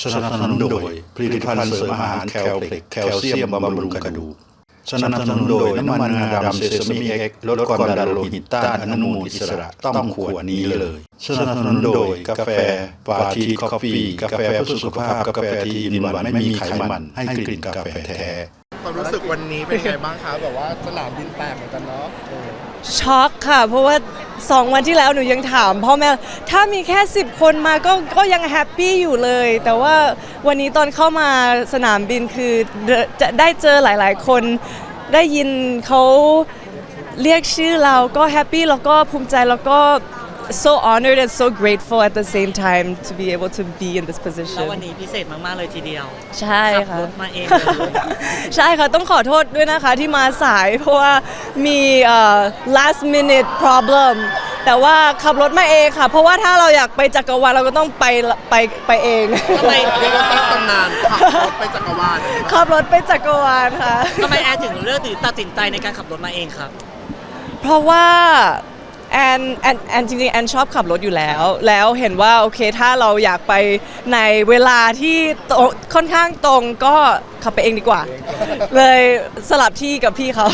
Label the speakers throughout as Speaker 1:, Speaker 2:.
Speaker 1: สนับสนุนโดยผลิตภัณฑ์เสริมอาหารแคลเพล็กแคลเซียมบำรุงกระดูกสนับสนุนโดยน้ำมันงาดำเซซามิเอ็กซ์ลดความดันโลหิตต้านอนุมูลอิสระต้องขวดนี้เลยสนับสนุนโดยกาแฟปาทีคอฟฟี่กาแฟเพื่อสุขภาพกาแฟที่อินวันไม่มีไขมันให้กลิ่นกาแฟแท้
Speaker 2: ความรู้สึกวันนี้เป็นไงบ้างคะแบบว่าสนามบินแตกเหมือนกันเนาะ
Speaker 3: ช็อกค่ะเพราะว่า2 วันที่แล้วหนูยังถามพ่อแม่ถ้ามีแค่10 คนมาก็ยังแฮปปี้อยู่เลยแต่ว่าวันนี้ตอนเข้ามาสนามบินคือจะได้เจอหลายๆคนได้ยินเขาเรียกชื่อเราก็แฮปปี้แล้วก็ภูมิใจแล้วก็ so honored and so grateful at the same time to be able to be in this
Speaker 4: แล้ว
Speaker 3: position
Speaker 4: วันนี้พิเศษมากๆเลยทีเดียว
Speaker 3: ใช่
Speaker 4: ขับ
Speaker 3: ค่ะ
Speaker 4: รถมาเองเลย
Speaker 3: ใช่ค่ะต้องขอโทษด้วยนะคะที่มาสายเพราะว่ามี last minute problem แต่ว่าขับรถมาเองค่ะเพราะว่าถ้าเราอยากไปจักรวาลเราก็ต้องไปเอง
Speaker 4: ทำไม
Speaker 2: เรียกว่าสร้างตำนานขับรถไปจักรวาล
Speaker 3: ขับรถไปจักรวาลค่ะ
Speaker 4: ทำไมแอนถึงเลือกหรือตัดสินใจในการขับรถมาเองครับ
Speaker 3: เพราะว่าแอนจริงๆแอนชอบขับรถอยู่แล้วเห็นว่าโอเคถ้าเราอยากไปในเวลาที่ค่อนข้างตรงก็ขับไปเองดีกว่า เลยสลับที่กับพี่เขา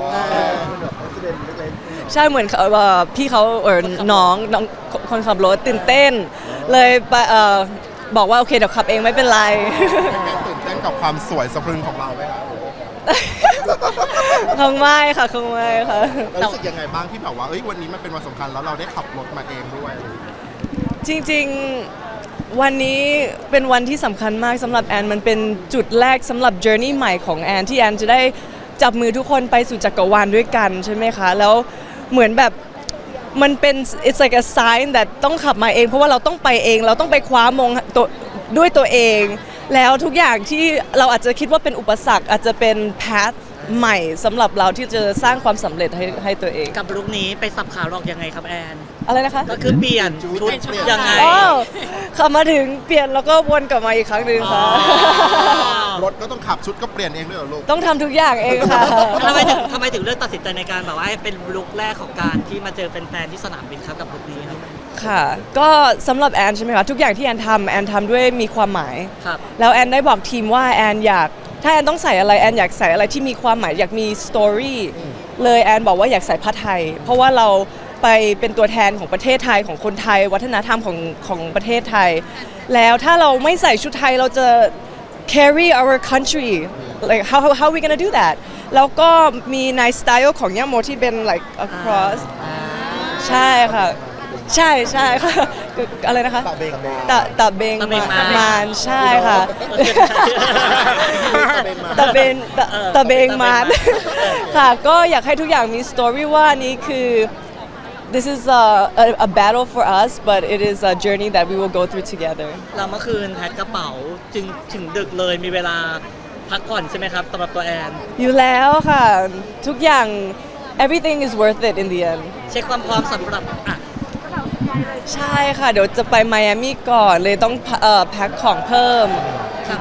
Speaker 3: ใช่เหมือนพี่เขาน้องคนขับรถตื่นเต้นเลยบอกว่าโอเคเดี๋ยวขับเองไม่เป็นไร
Speaker 2: ตื่นเต้นกับความสวยสะพรึงของเราไหมคะ
Speaker 3: คงไม่ค่ะคงไม่ค่ะ
Speaker 2: รู้สึกยังไงบ้างที่แบบว่าวันนี้มันเป็นวันสำคัญแล้วเราได้ขับรถมาเองด้วย
Speaker 3: จริงๆวันนี้เป็นวันที่สำคัญมากสำหรับแอนมันเป็นจุดแรกสำหรับ journey ใหม่ของแอนที่แอนจะได้จับมือทุกคนไปสู่จักรวาลด้วยกันใช่ไหมคะแล้วเหมือนแบบมันเป็น it's like a sign that ต้องขับมาเองเพราะว่าเราต้องไปเองเราต้องไปคว้ามงด้วยตัวเองแล้วทุกอย่างที่เราอาจจะคิดว่าเป็นอุปสรรคอาจจะเป็น path ใหม่สำหรับเราที่จะสร้างความสำเร็จให้ตัวเอง
Speaker 4: กับลุคนี้ไปสับขาหลอกยังไงครับแอน
Speaker 3: อะไรนะคะ
Speaker 4: ก็คือเปลี่ยนชุดยังไง
Speaker 3: ขับมาถึงเปลี่ยนแล้วก็วนกลับมาอีกครั้งหนึ่งค่ะ
Speaker 2: รถก็ต้องขับชุดก็เปลี่ยนเองด้วยเหรอลูก
Speaker 3: ต้องทำทุกอย่างเองค่ะ
Speaker 4: ทำไมถึงเลือกตัดสินใจในการแบบว่าให้เป็นลุคแรกของการที่มาเจอแฟนๆที่สนามบินครับกับลุคนี้ครับ
Speaker 3: ค่ะก็สำหรับแอนใช่ไหมคะทุกอย่างที่แอนทำด้วยมีความหมายแล้วแอนได้บอกทีมว่าแอนอยากถ้าแอนต้องใส่อะไรแอนอยากใส่อะไรที่มีความหมายอยากมีสตอรี่เลยแอนบอกว่าอยากใส่ผ้าไทยเพราะว่าเราไปเป็นตัวแทนของประเทศไทยของคนไทยวัฒนธรรมของประเทศไทยแล้วถ้าเราไม่ใส่ชุดไทยเราจะ carry our country like how we gonna do that แล้วก็มีในสไตล์ของย่าโมที่เป็น like across ใช่ค่ะใช่ค่ะอะไรนะคะตะเบงมานใช่ค่ะตะเบงมานค่ะก็อยากให้ทุกอย่างมีสตอรี่ว่านี้คือ this is a battle for us but it is a journey that we will go through together
Speaker 4: เราเมื่อคืนแพ็คกระเป๋าจึงถึงดึกเลยมีเวลาพักผ่อนใช่ไหมครับสำหรับตัวแอน
Speaker 3: อยู่แล้วค่ะทุกอย่าง everything is worth it in the end
Speaker 4: เช็คความพร้อมสำหรับ
Speaker 3: ใช่ค่ะเดี๋ยวจะไปไมอามี่ก่อนเลยต้องแพ็คของเพิ่ม
Speaker 4: ครับ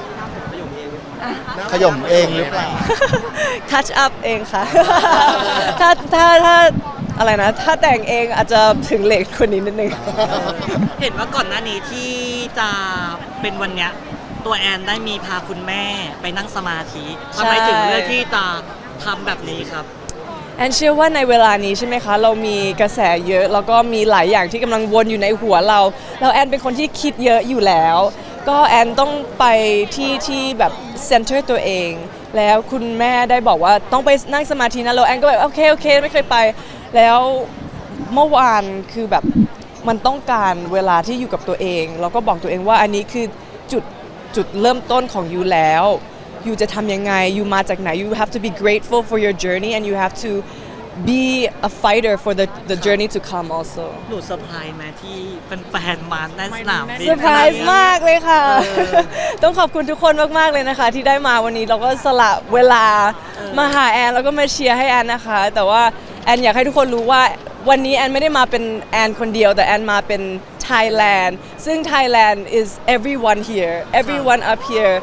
Speaker 2: ขย่มเองหรือเปล่า
Speaker 3: touch up เองค่ะถ้าอะไรนะถ้าแต่งเองอาจจะถึงเหล็กคนนี้นิดนึง
Speaker 4: เห็นว่าก่อนหน้านี้ที่จะเป็นวันเนี้ยตัวแอนได้มีพาคุณแม่ไปนั่งสมาธิทำไมถึงเลือกที่จะทำแบบนี้ครับ
Speaker 3: แอนเชื่อว่าในเวลานี้ใช่ไหมคะเรามีกระแสเยอะแล้วก็มีหลายอย่างที่กำลังวนอยู่ในหัวเราแล้วแอนเป็นคนที่คิดเยอะอยู่แล้วก็แอนต้องไปที่แบบเซ็นเตอร์ตัวเองแล้วคุณแม่ได้บอกว่าต้องไปนั่งสมาธินะแล้วแอนก็แบบโอเคไม่เคยไปแล้วเมื่อวานคือแบบมันต้องการเวลาที่อยู่กับตัวเองแล้วก็บอกตัวเองว่าอันนี้คือจุดเริ่มต้นของยูแล้วยูจะทำยังไงยูมาจากไหน you have to be grateful for your journey and you have to be a fighter for the journey to come also
Speaker 4: หนูเซอร์ไพรส์ไหมที่แฟนๆมาในสนามบิน
Speaker 3: เซอร์ไพรส์มากเลยค่ะต้องขอบคุณทุกคนมากๆเลยนะคะที่ได้มาวันนี้เราก็สละเวลามาหาแอนแล้วก็มาเชียร์ให้แอนนะคะแต่ว่าแอนอยากให้ทุกคนรู้ว่าวันนี้แอนไม่ได้มาเป็นแอนคนเดียวแต่แอนมาเป็น Thailand ซึ่ง Thailand is everyone here everyone up here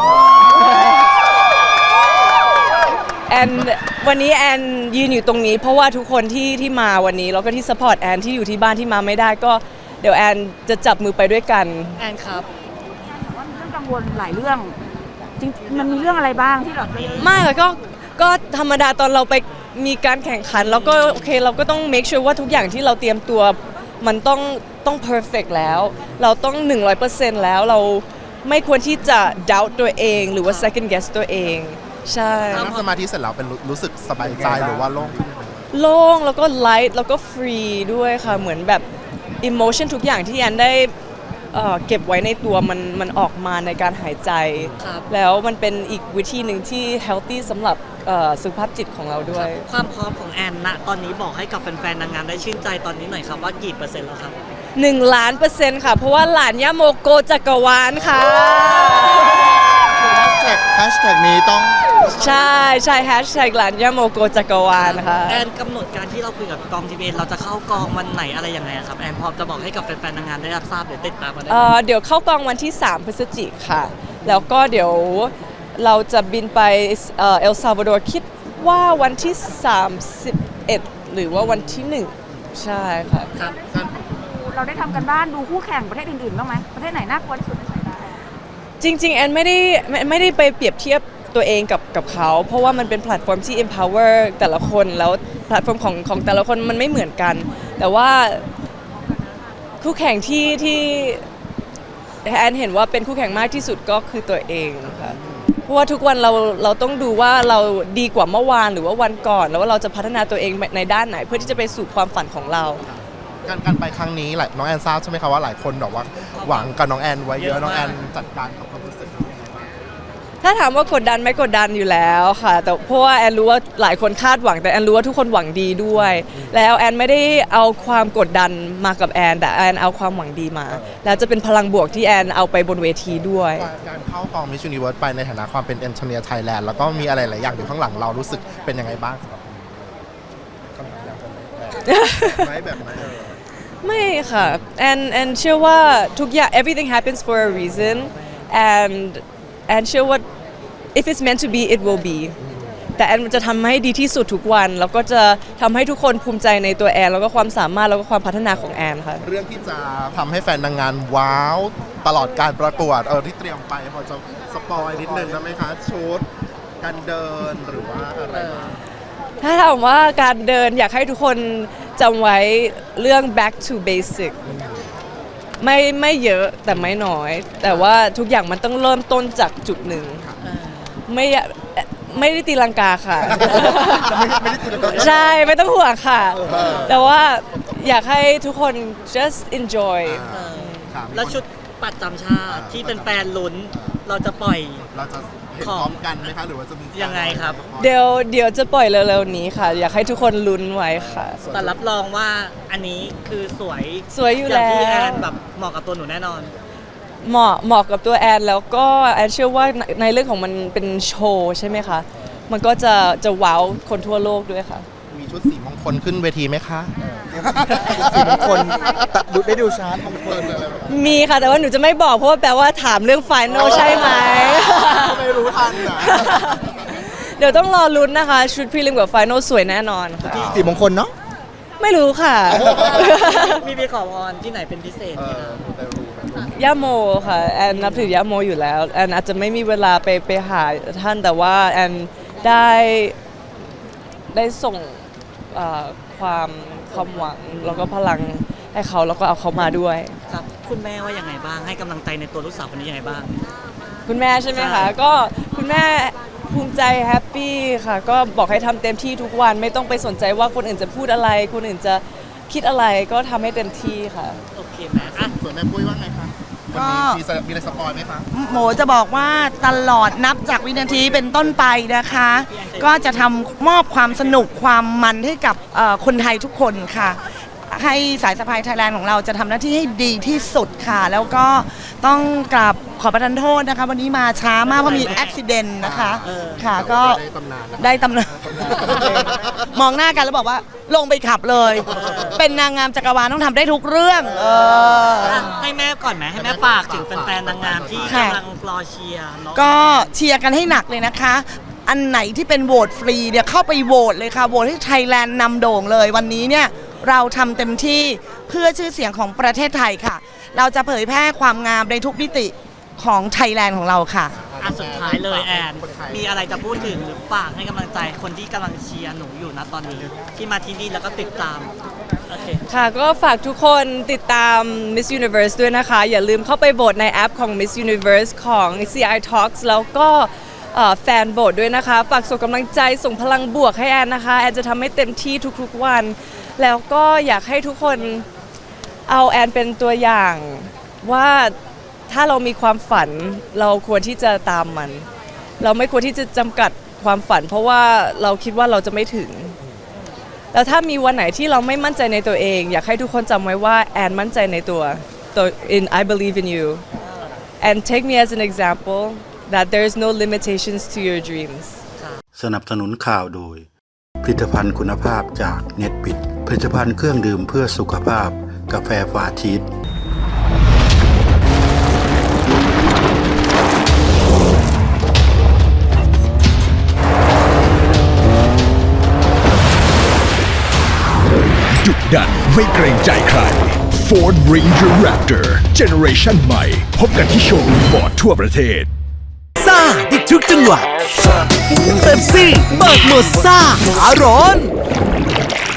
Speaker 3: and วันนี้แอนยืนอยู่ตรงนี้เพราะว่าทุกคนที่มาวันนี้แล้วก็ที่ support แอนที่อยู่ที่บ้านที่มาไม่ได้ก็เดี๋ยวแอนจะจับมือไปด้วยกัน
Speaker 4: แอนครับ
Speaker 5: วรหลายเรื่องจริงมันมีเรื่องอะไรบ้างที่แบบ
Speaker 3: ไม่ค่ะก็ธรรมดาตอนเราไปมีการแข่งขันแล้วก็โอเคเราก็ต้อง make sure ว่าทุกอย่างที่เราเตรียมตัวมันต้อง perfect แล้ว เราต้อง 100% แล้วเราไม่ควรที่จะ doubt ตัวเองหรือว่า second guess ตัวเองใช่
Speaker 2: นั่งสมาธิเสร็จแล้วเป็นรู้สึกสบายใจหรือว่าโล่งขึ้นไหม
Speaker 3: โล่งแล้วก็ light แล้วก็ free ด้วยค่ะเหมือนแบบ emotion ทุกอย่างที่แอนได้เก็บไว้ในตัวมันออกมาในการหายใจ
Speaker 4: ครับ
Speaker 3: แล้วมันเป็นอีกวิธีหนึ่งที่ healthy สำหรับสุขภาพจิตของเราด้วย
Speaker 4: ความพร้อมของแอนณตอนนี้บอกให้กับแฟนๆนางงามได้ชื่นใจตอนนี้หน่อยครับว่ากี่เปอร์เซ็นต์แล้วครับ
Speaker 3: 1,000,000%ค่ะ เพราะว่าหลานย่าโมโกจักรวาลค่ะ
Speaker 2: แฮชแท็กนี้ต้อง
Speaker 3: ใช่แฮชแท็กหลานย่าโมโกจักรวาลค่ะ
Speaker 4: แอนกำหนดการที่เราคุยกับกองทีวีเราจะเข้ากองวันไหนอะไรยังไงอะครับแอนพอจะบอกให้กับแฟนๆนางงามได้รับทราบหรือติดตามมาได้ไหม
Speaker 3: เดี๋ยวเข้ากองวันที่ 3 พฤศจิกค่ะ แล้วก็เดี๋ยวเราจะบินไปเอลซาวาดอร์คิดว่าวันที่ 31 หรือว่าวันที่ 1 ใช่ค่ะ
Speaker 4: ครับ
Speaker 5: เราได้ทำกันบ้านดูคู่แข่งประเทศอื่นๆบ้างไหมประเทศไหนน่ากลัวที่สุดในสายตา
Speaker 3: จริงๆ แอนไม่ได้ไปเปรียบเทียบตัวเองกับเขา เพราะว่ามันเป็นแพลตฟอร์มที่ empower แต่ละคนแล้วแพลตฟอร์มของแต่ละคนมันไม่เหมือนกัน แต่ว่าคู่แข่งที่แอนเห็นว่าเป็นคู่แข่งมากที่สุดก็คือตัวเองค่ะเพราะว่าทุกวันเราต้องดูว่าเราดีกว่าเมื่อวานหรือว่าวันก่อน แล้วว่าเราจะพัฒนาตัวเองในด้านไหน เพื่อที่จะไปสู่ความฝันของเรา
Speaker 2: การไปครั้งนี้น้องแอนทราบใช่ไหมคะว่าหลายคนแบบว่าหวังกับน้องแอนไว้เยอะน้องแอนจัดการกับความรู้สึกยังไงบ้าง
Speaker 3: ถ้าถามว่ากดดันไหมกดดันอยู่แล้วค่ะ แต่เพราะว่าแอนรู้ว่าหลายคนคาดหวังแต่แอนรู้ว่าทุกคนหวังดีด้วย แล้วแอนไม่ได้เอาความกดดันมากับแอนแต่แอนเอาความหวังดีมา แล้วจะเป็นพลังบวกที่แอนเอาไปบนเวทีด้วย
Speaker 2: การเข้ากองมิส s u นิเวิร์สไปในฐานะความเป็นเอนจิเนียร์ไทยแลนด์แล้วก็มีอะไรหลายอย่างอยู่ข้างหลังเรารู้สึกเป็นยังไงบ้างสำหรับคำถามอย่างไรแบบไหน
Speaker 3: ไม่ค่ะแอนเชื่อว่าทุกอย่าง everything happens for a reason and แอนเชื่อว่า if it's meant to be it will be แต่แอนจะทำให้ดีที่สุดทุกวัน แล้วก็จะทำให้ทุกคนภูมิใจในตัวแอนแล้วก็ความสามารถแล้วก็ความพัฒนาของแอนค่ะ
Speaker 2: เรื่องที่จะทำให้แฟนนางงามว้าวตลอดการประกวดที่เตรียมไปพอจะสปอยนิดนึงได้ไหมคะชุดการเดินหรือว่าอะไรบ้าง
Speaker 3: ถ้าถามว่าการเดินอยากให้ทุกคนจำไว้เรื่อง back to basic ไม่เยอะแต่ไม่น้อย แต่ว่าทุกอย่างมันต้องเริ่มต้นจากจุดหนึ่งไม่ได้ตีลังกาค่ะ ใช่ไม่ต้องห่วงค่ะ แต่ว่าอยากให้ทุกคน just enjoy
Speaker 2: ครับ
Speaker 4: แล้วชุดปัดจำชาติที่เป็นแฟนๆลุ้นเราจะปล่อย
Speaker 2: เราจะเห็นพร้อมกันไหมคะหรือว่าจะมี
Speaker 4: ยังไงครับ
Speaker 3: เดี๋ยวจะปล่อยเร็วๆนี้ค่ะ อยากให้ทุกคนลุ้นไว้ค่ะ
Speaker 4: แต่รับรองว่าอันนี้คือสวย
Speaker 3: สวยอยู่
Speaker 4: อย่างที่
Speaker 3: แล้ว
Speaker 4: แอนแบบเหมาะกับตัวหนูแน่นอน
Speaker 3: เหมาะกับตัวแอนแล้วก็แอนเชื่อว่าในเรื่องของมันเป็นโชว์ใช่ไหมคะ มันก็จะว้าวคนทั่วโลกด้วยค่ะ
Speaker 2: มีชุดสีมงคลขึ้นเวทีไหมคะ
Speaker 6: สีมงคลได้ดูชาร์ตมงคล
Speaker 3: มีค่ะ แต่ว่าหนูจะไม่บอกเพราะว่าแปลว่าถามเรื่องไฟนอลใช่ไหม
Speaker 2: ไม่รู้ทันนะ
Speaker 3: เดี๋ยวต้องรอลุ้นนะคะ ชุดพรีลิมกับไฟนอลสวยแน่นอนค่ะ
Speaker 6: สีมงคลเนาะ
Speaker 3: ไม่รู้ค่ะ
Speaker 4: มีไปขอพรที่ไหนเป็นพิเศษไหมครับ
Speaker 3: ย่าโมค่ะแอนนับถือย่าโมอยู่แล้วแอนอาจจะไม่มีเวลาไปหาท่านแต่ว่าแอนได้ส่งความหวังแล้วก็พลังให้เขาแล้วก็เอาเขามาด้วย
Speaker 4: ครับ คุณแม่ว่ายังไงบ้างให้กำลังใจในตัวลูกสาวคนนี้ยังไงบ้าง
Speaker 3: คุณแม่ใช่ไหม
Speaker 4: ใช่
Speaker 3: คะก็คุณแม่ภูมิใจแฮปปี้ค่ะ ก็บอกให้ทำเต็มที่ทุกวันไม่ต้องไปสนใจว่าคนอื่นจะพูดอะไร คนอื่นจะคิดอะไรก็ทำให้เต็มที่ค่ะ
Speaker 4: โอเคไหมอ่ะ
Speaker 2: ส่วนแม่ปุ้ยว่าไงคะวันนี้มีอะไรสปอยไหมคะ
Speaker 7: โหมจะบอกว่าตลอดนับจากวินาทีเป็นต้นไปนะคะ ก็จะทำมอบความสนุกความมันให้กับคนไทยทุกคนค่ะ ให้สายสะพายไทยแลนด์ของเราจะทำหน้าที่ให้ดีที่สุดค่ะ แล้วก็ต้องกราบขอประทานโทษนะคะ วันนี้มาช้ามากเพราะมีอุบิเหตุนะคะค่ะก็
Speaker 2: ได้ตำนานนะ
Speaker 7: ได้ตำนาน มองหน้ากันแล้วบอกว่าลงไปขับเลย เป็นนางงามจักรวาลต้องทำได้ทุกเรื่อง
Speaker 4: ให้แม่ก่อนไหมให้แม่ฝากถึงแฟนๆนางงามที่
Speaker 7: ค่ะ
Speaker 4: กำลังรอเชียร์เนาะ
Speaker 7: ก็เชียร์กันให้หนักเลยนะคะ อันไหนที่เป็นโหวตฟรีเนี่ยเข้าไปโหวตเลยค่ะ โหวตให้ไทยแลนด์นำโด่งเลย วันนี้เนี่ยเราทำเต็มที่เพื่อชื่อเสียงของประเทศไทยค่ะ เราจะเผยแพร่ความงามในทุกมิติของไทยแลนด์ของเราค่ะ
Speaker 4: อ่ะสุดท้ายเลยแอน มีอะไรจะพูดถึงหรือฝากให้กำลังใจคนที่กำลังเชียร์หนูอยู่นะตอนนี้ ที่มาที่นี่แล้วก็ติดตาม โอเค
Speaker 3: ค่ะก็ฝากทุกคนติดตาม Miss Universe ด้วยนะคะ อย่าลืมเข้าไปโหวตในแอปของ Miss Universe ของ CI Talks แล้วก็แฟนโหวตด้วยนะคะ ฝากส่งกำลังใจส่งพลังบวกให้แอนนะคะ แอนจะทำให้เต็มที่ทุกๆวัน แล้วก็อยากให้ทุกคนเอาแอนเป็นตัวอย่างว่าถ้าเรามีความฝันเราควรที่จะตามมัน เราไม่ควรที่จะจำกัดความฝัน เพราะว่าเราคิดว่าเราจะไม่ถึง แล้วถ้ามีวันไหนที่เราไม่มั่นใจในตัวเอง อยากให้ทุกคนจำไว้ว่าแอนมั่นใจในตัว I believe in you and take me as an example that there is no limitations to your dreams
Speaker 1: สนับสนุนข่าวโดย ผลิตภัณฑ์คุณภาพจากเน็ตบิดผลิตภัณฑ์เครื่องดื่มเพื่อสุขภาพกาแฟฟาชีส
Speaker 8: ดุดันไม่เกรงใจใคร Ford Ranger Raptor Generation ใหม่พบกันที่โชว์รูมฟอร์ดทั่วประเทศ
Speaker 9: ซ่าอีกทุกจังหวะเป๊ปซี่เบิกหมดซ่าอารอน